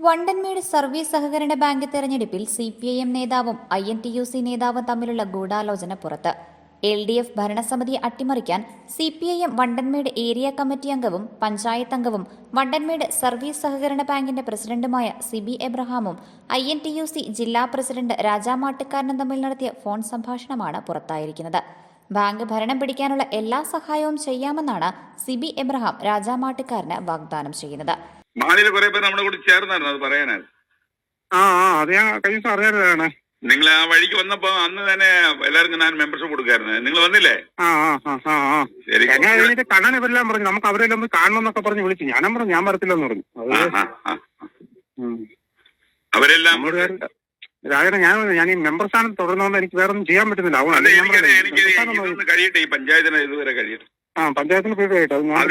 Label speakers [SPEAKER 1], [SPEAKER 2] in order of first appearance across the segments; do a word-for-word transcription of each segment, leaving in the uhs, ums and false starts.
[SPEAKER 1] Vandanmedu service സഹകരണ bank തെരഞ്ഞെടുപ്പിൽ C P I M നേതാവും I N T U C നേതാവും തമ്മിലുള്ള ഗൂഢാലോചന പുറത്ത്. എൽ ഡി എഫ് ഭരണസമിതിയെ അട്ടിമറിക്കാൻ C P I M Vandanmedu area committee അംഗവും പഞ്ചായത്ത് അംഗവും വണ്ടൻമേട് സർവീസ് സഹകരണ ബാങ്കിന്റെ പ്രസിഡന്റുമായ സിബി എബ്രഹാമും I N T U C ജില്ലാ പ്രസിഡന്റ് രാജാമാട്ടുകാരനും തമ്മിൽ നടത്തിയ ഫോൺ സംഭാഷണമാണ് പുറത്തായിരിക്കുന്നത്. ബാങ്ക് ഭരണം പിടിക്കാനുള്ള എല്ലാ സഹായവും ചെയ്യാമെന്നാണ് സിബി എബ്രഹാം രാജാമാട്ടുകാരന് വാഗ്ദാനം ചെയ്യുന്നത്.
[SPEAKER 2] മാലിയിൽ കുറെ പേര് നമ്മുടെ കൂടെ ചേർന്നായിരുന്നു, അത് പറയാനായിരുന്നു.
[SPEAKER 3] ആ ആ അത് ഞാൻ കഴിഞ്ഞ ദിവസം അറിയാനാണ്.
[SPEAKER 2] നിങ്ങൾ ആ വഴിക്ക് വന്നപ്പോ അന്ന് തന്നെ എല്ലാവർക്കും ഞാൻ മെമ്പർഷിപ്പ് കൊടുക്കായിരുന്നു. നിങ്ങൾ വന്നില്ലേ?
[SPEAKER 3] ആ ആ ആ ആ
[SPEAKER 2] ശരി.
[SPEAKER 3] ഞാൻ കഴിഞ്ഞിട്ട് കണ്ണൻ ഇവരെല്ലാം പറഞ്ഞു നമുക്ക് അവരെല്ലാം ഒന്ന് കാണണം എന്നൊക്കെ പറഞ്ഞ് വിളിച്ചു. ഞാനും പറഞ്ഞു ഞാൻ വരത്തില്ലെന്ന് പറഞ്ഞു.
[SPEAKER 2] അവരെല്ലാം
[SPEAKER 3] രാജന ഞാൻ ഞാൻ ഈ മെമ്പർ സ്ഥാനം തുടർന്നുകൊണ്ട് എനിക്ക് വേറെ ഒന്നും ചെയ്യാൻ പറ്റുന്നില്ല.
[SPEAKER 2] എനിക്ക് കഴിയട്ടെ, ഈ പഞ്ചായത്തിന് ഇതുവരെ കഴിയട്ടെ.
[SPEAKER 3] ആ പഞ്ചായത്തിന് പേരായിട്ട്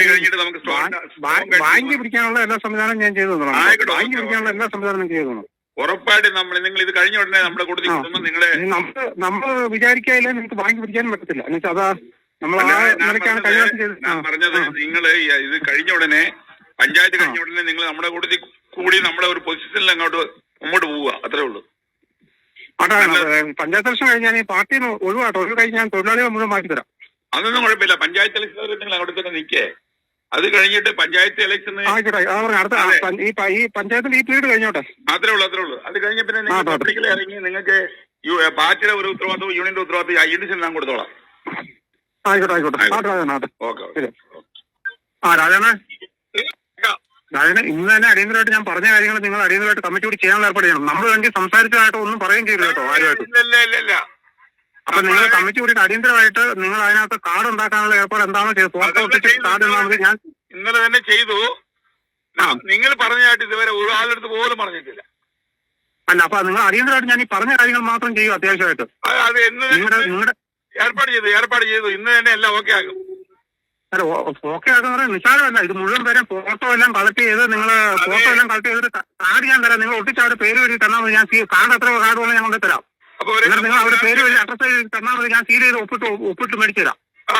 [SPEAKER 3] ബാങ്ക് പിടിക്കാനുള്ള എല്ലാ സംവിധാനം ഞാൻ ചെയ്തു തന്നു. ബാങ്ക് പിടിക്കാനുള്ള എല്ലാ സംവിധാനം ചെയ്തു തന്നു.
[SPEAKER 2] ഉറപ്പായിട്ട് നമ്മൾ നിങ്ങൾ ഇത് കഴിഞ്ഞ ഉടനെ നമ്മുടെ കൂട്ടത്തിൽ നിങ്ങളെ
[SPEAKER 3] നമ്മൾ നമ്മൾ വിചാരിക്കാതില്ല നിങ്ങൾക്ക് ബാങ്ക് പിടിക്കാനും പറ്റത്തില്ല. എന്നുവെച്ചാൽ അതാ നമ്മൾ ആ നിലയ്ക്കാണ് കഴിഞ്ഞ
[SPEAKER 2] പറഞ്ഞത്. നിങ്ങൾ ഇത് കഴിഞ്ഞ ഉടനെ പഞ്ചായത്ത് കഴിഞ്ഞ ഉടനെ നിങ്ങൾ നമ്മുടെ കൂട്ടത്തിൽ കൂടി നമ്മുടെ ഒരു പൊസിഷനിൽ അങ്ങോട്ട് മുമ്പോട്ട് പോവുക, അത്രേ ഉള്ളൂ.
[SPEAKER 3] അതാണ് പഞ്ചായത്ത് ഇലക്ഷൻ കഴിഞ്ഞാൽ ഈ പാർട്ടിയിൽ നിന്ന് ഒഴിവാട്ടോ, ഒഴിവ് കഴിഞ്ഞ് ഞാൻ തൊഴിലാളികളെ മുഴുവൻ മാറ്റി തരാം.
[SPEAKER 2] അതൊന്നും കുഴപ്പമില്ല. പഞ്ചായത്ത് ഇലക്ഷൻ നിങ്ങൾ അങ്ങോട്ട് തന്നെ നിൽക്കേ. അത് കഴിഞ്ഞിട്ട് പഞ്ചായത്ത് ഇലക്ഷൻ
[SPEAKER 3] അടുത്ത ഈ പഞ്ചായത്തിന്റെ ഈ പീരീഡ് കഴിഞ്ഞോട്ടെ.
[SPEAKER 2] അത്രേ ഉള്ളൂ, അത്രേ ഉള്ളൂ. അത് കഴിഞ്ഞ പിന്നെ നിങ്ങൾ പബ്ലിക്കിൽ ഇറങ്ങി നിങ്ങൾക്ക് പാർട്ടിയുടെ ഒരു ഉത്തരവാദിത്വം യൂണിയന്റെ ഉത്തരവാദിത്വം ഐ എൻ ഞാൻ കൊടുത്തോളാം.
[SPEAKER 3] ആയിക്കോട്ടെ ആയിക്കോട്ടെ.
[SPEAKER 2] ഓക്കെ.
[SPEAKER 3] ആ രാജാണ് രാജന ഇന്ന് തന്നെ അടിയന്തരമായിട്ട് ഞാൻ പറഞ്ഞ കാര്യങ്ങൾ നിങ്ങൾ അടിയന്തരമായിട്ട് കമ്മിറ്റി കൂടി ചെയ്യാൻ ഏർപ്പാട് ചെയ്യണം. നമ്മൾ വേണ്ടി സംസാരിച്ചതായിട്ടോ ഒന്നും പറയുകയും ചെയ്തു കേട്ടോ ആരുമായിട്ട്. അപ്പൊ നിങ്ങൾ കമ്മിറ്റി കൂടി അടിയന്തരമായിട്ട് നിങ്ങൾ അതിനകത്ത് കാർഡ് ഉണ്ടാക്കാനുള്ള ഏർപ്പാട് എന്താണോ ചെയ്തത് കാർഡ് ഞാൻ
[SPEAKER 2] ഇന്നലെ തന്നെ ചെയ്തു. നിങ്ങൾ പറഞ്ഞായിട്ട് ഇതുവരെ ഒരാളെടുത്ത് പോലും പറഞ്ഞിട്ടില്ല.
[SPEAKER 3] അല്ല അപ്പൊ നിങ്ങൾ അടിയന്തരമായിട്ട് ഞാൻ ഈ പറഞ്ഞ കാര്യങ്ങൾ മാത്രം ചെയ്യും അത്യാവശ്യമായിട്ട്.
[SPEAKER 2] അത് നിങ്ങളുടെ നിങ്ങളുടെ ഏർപ്പാട് ചെയ്തു ഏർപ്പാട് ചെയ്തു ഇന്ന് തന്നെ എല്ലാം ഓക്കെ ആകും.
[SPEAKER 3] അല്ല ഓക്കെ ആകുന്ന പറയാൻ നിസ്സാരമല്ല. ഇത് മുഴുവൻ പേരെ ഫോട്ടോ എല്ലാം കളക്ട് ചെയ്ത് നിങ്ങൾ ഫോട്ടോ എല്ലാം കളക്ട് ചെയ്തിട്ട് കാർഡ് ഞാൻ തരാം. നിങ്ങൾ ഒട്ടിച്ച് അവരുടെ പേര് വഴി തന്നാൽ മതി. ഞാൻ കാർഡ് എത്ര കാർഡ് വേണം ഞാൻ കൊണ്ട് തരാം. നിങ്ങൾ അവരുടെ പേര് വഴി അഡ്രസ് തന്നാൽ മതി. ഞാൻ സീൽ ചെയ്ത് ഒപ്പിട്ട് ഒപ്പിട്ട് മേടിച്ചു തരാം.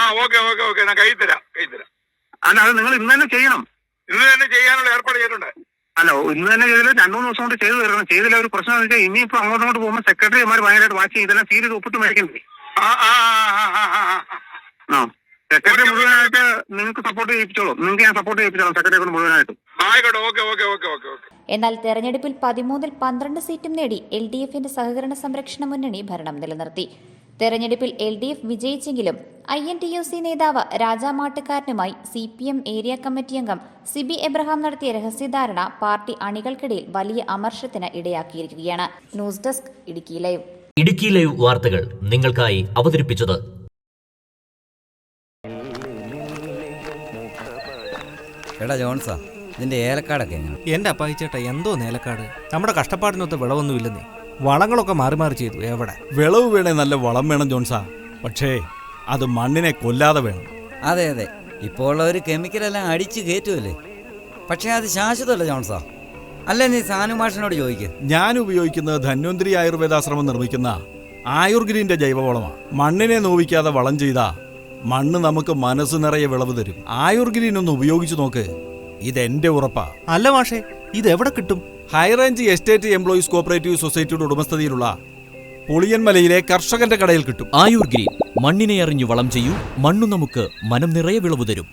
[SPEAKER 3] അല്ല അത് നിങ്ങൾ ഇന്ന് തന്നെ ചെയ്യണം.
[SPEAKER 2] ഇന്ന് തന്നെ ചെയ്യാനുള്ള ഏർപ്പാട് ചെയ്തിട്ടുണ്ട്.
[SPEAKER 3] അല്ല ഇന്ന് തന്നെ ചെയ്തില്ല, രണ്ടു മൂന്ന് ദിവസം കൊണ്ട് ചെയ്തു തരണം. ചെയ്തില്ല ഒരു പ്രശ്നം എന്ന് വെച്ചാൽ ഇനിയിപ്പോ അങ്ങോട്ട് അങ്ങോട്ട് പോകുമ്പോൾ സെക്രട്ടറിമാർ ഭയങ്കരമായിട്ട് വാച്ച് ചെയ്ത് ഇതെല്ലാം സീൽ ചെയ്ത് ഒപ്പിട്ട് മേടിക്കണ്ടേ. ആ സെക്രട്ടറി മുഴുവനായിട്ട് നിങ്ങൾക്ക് സപ്പോർട്ട് ചെയ്യിപ്പിച്ചോളൂ. നിങ്ങൾക്ക് ഞാൻ സപ്പോർട്ട് ചെയ്യിപ്പിച്ചോളാം സെക്രട്ടറി മുഴുവനായിട്ടും.
[SPEAKER 1] എന്നാൽ തെരഞ്ഞെടുപ്പിൽ പതിമൂന്നിൽ പന്ത്രണ്ട് സീറ്റും നേടി എൽ ഡി എഫിന്റെ സഹകരണ സംരക്ഷണ മുന്നണി ഭരണം നിലനിർത്തി. തെരഞ്ഞെടുപ്പിൽ എൽ ഡി എഫ് വിജയിച്ചെങ്കിലും I N T U C നേതാവ് രാജാമാട്ടുകാരനുമായി C P M area committee അംഗം സിബി എബ്രഹാം നടത്തിയ രഹസ്യധാരണ പാർട്ടി അണികൾക്കിടയിൽ വലിയ അമർഷത്തിന് ഇടയാക്കിയിരിക്കുകയാണ്. News desk Idukki live.
[SPEAKER 4] Idukki live വാർത്തകൾ നിങ്ങൾക്കായി അവതരിപ്പിച്ചത്
[SPEAKER 5] എടാ ജോൺസാ, ഇതിന്റെ ഏലക്കാടൊക്കെ എങ്ങനെ?
[SPEAKER 6] എന്റെ അപ്പായിച്ചേട്ടാ എന്തോ നേലക്കാട്, നമ്മുടെ കഷ്ടപ്പാടിനൊത്ത് വിളവൊന്നുമില്ലെന്നേ. വളങ്ങളൊക്കെ മാറി മാറി ചെയ്തു. എവിടെ
[SPEAKER 7] വിളവ് വേണേ നല്ല വളം വേണം ജോൺസാ, പക്ഷേ അത് മണ്ണിനെ കൊല്ലാതെ വേണം.
[SPEAKER 5] അതെ അതെ, ഇപ്പോൾ ഉള്ളവർ കെമിക്കലെല്ലാം അടിച്ച് കയറ്റുമല്ലേ. പക്ഷേ അത് ശാശ്വതമല്ല ജോൺസാ. അല്ലേ നീ സാനുമാഷിനോട് ചോദിക്കുക.
[SPEAKER 7] ഞാൻ ഉപയോഗിക്കുന്നത് ധന്വന്തരി ആയുർവേദാശ്രമം നിർമ്മിക്കുന്ന ആയുർഗ്രീന്റെ ജൈവവളമാണ്. മണ്ണിനെ നോവിക്കാതെ വളം ചെയ്താ മണ്ണ് നമുക്ക് മനസ്സ് നിറയെ വിളവ് തരും. ആയുർഗ്രീൻ ഒന്ന് ഉപയോഗിച്ചു നോക്ക്, ഇതെന്റെ ഉറപ്പാ.
[SPEAKER 6] അല്ല മാഷേ, ഇത് എവിടെ കിട്ടും?
[SPEAKER 7] ഹൈറേഞ്ച് എസ്റ്റേറ്റ് എംപ്ലോയീസ് കോഓപ്പറേറ്റീവ് സൊസൈറ്റിയുടെ ഉടമസ്ഥതയിലുള്ള പുളിയൻമലയിലെ കർഷകന്റെ കടയിൽ കിട്ടും.
[SPEAKER 4] ആയുർഗ്രീൻ, മണ്ണിനെ അറിഞ്ഞു വളം ചെയ്യൂ, മണ്ണു നമുക്ക് മനം നിറയെ വിളവ് തരും.